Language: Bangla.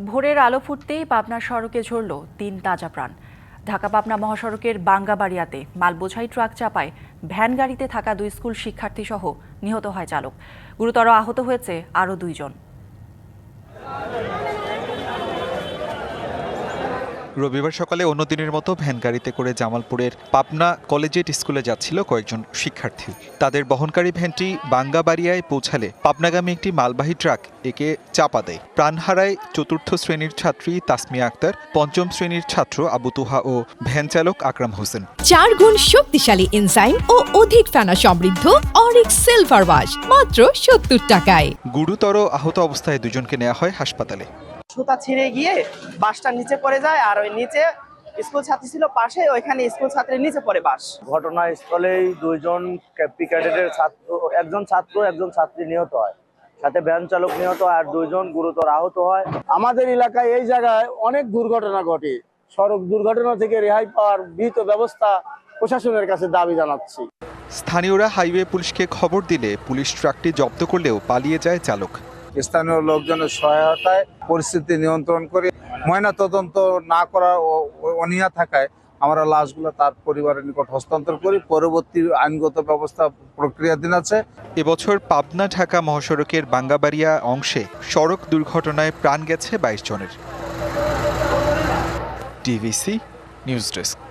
ভোরের আলো ফুটতেই পাবনার সড়কে ঝরল ৩ তাজা প্রাণ। ঢাকা পাবনা মহাসড়কের বাঙ্গাবাড়িয়াতে মালবোঝাই ট্রাক চাপায় ভ্যান গাড়িতে থাকা ২ স্কুল শিক্ষার্থী সহ নিহত হয় চালক। গুরুতর আহত হয়েছে আরও ২ জন। রবিবার সকালে অন্যদিনের মতো ভ্যান গাড়িতে করে জামালপুরের পাবনা কলেজিয়েট স্কুলে যাচ্ছিল কয়েকজন শিক্ষার্থী। তাদের বহনকারী ভ্যানটি বাঙ্গাবাড়িয়ায় পৌঁছালে পাবনাগামী একটি মালবাহী ট্রাক একে চাপা দেয়। প্রাণ হারায় চতুর্থ শ্রেণীর ছাত্রী তাসমিয়া আক্তার, পঞ্চম শ্রেণীর ছাত্র আবু তুহা ও ভ্যান চালক আকরাম হোসেন। ৪ গুণ শক্তিশালী এনজাইম ও অধিক ফেনা সমৃদ্ধ অরিক্স সিলভার ওয়াশ মাত্র ৭০ টাকায়। গুরুতর আহত অবস্থায় দুজনকে নেওয়া হয় হাসপাতালে। সুতা ছিঁড়ে গিয়ে বাসটা নিচে পড়ে যায়, আর ওই নিচে স্কুল ছাত্রী ছিল পাশে, ওইখানে স্কুল ছাত্রীর নিচে পড়ে বাস। ঘটনাস্থলেই ২ জন ক্যাডেটের ছাত্র, একজন ছাত্র একজন ছাত্রী নিহত হয়, সাথে ভ্যান চালক নিহত আর ২ জন গুরুতর আহত হয়। আমাদের এলাকায় এই জায়গায় অনেক দুর্ঘটনা ঘটে। সড়ক দুর্ঘটনা থেকে রেহাই পাওয়ার বিহিত ব্যবস্থা প্রশাসনের কাছে দাবি জানাচ্ছি। স্থানীয়রা হাইওয়ে পুলিশকে খবর দিলে পুলিশ ট্রাকটি জব্দ করলেও পালিয়ে যায় চালক। স্থানীয় লোকজনের সহায়তায় পরিস্থিতি নিয়ন্ত্রণ করে ময়না তদন্ত না করা ও অনীহা থাকায় আমরা লাশগুলো তার পরিবারের নিকট হস্তান্তর করি। পরবর্তী আইনগত ব্যবস্থা প্রক্রিয়াধীন আছে। এবছর পাবনা ঢাকা মহাসড়কের বাঙ্গাবাড়িয়া অংশে সড়ক দুর্ঘটনায় প্রাণ গেছে ২২ জনের। DVC news desk.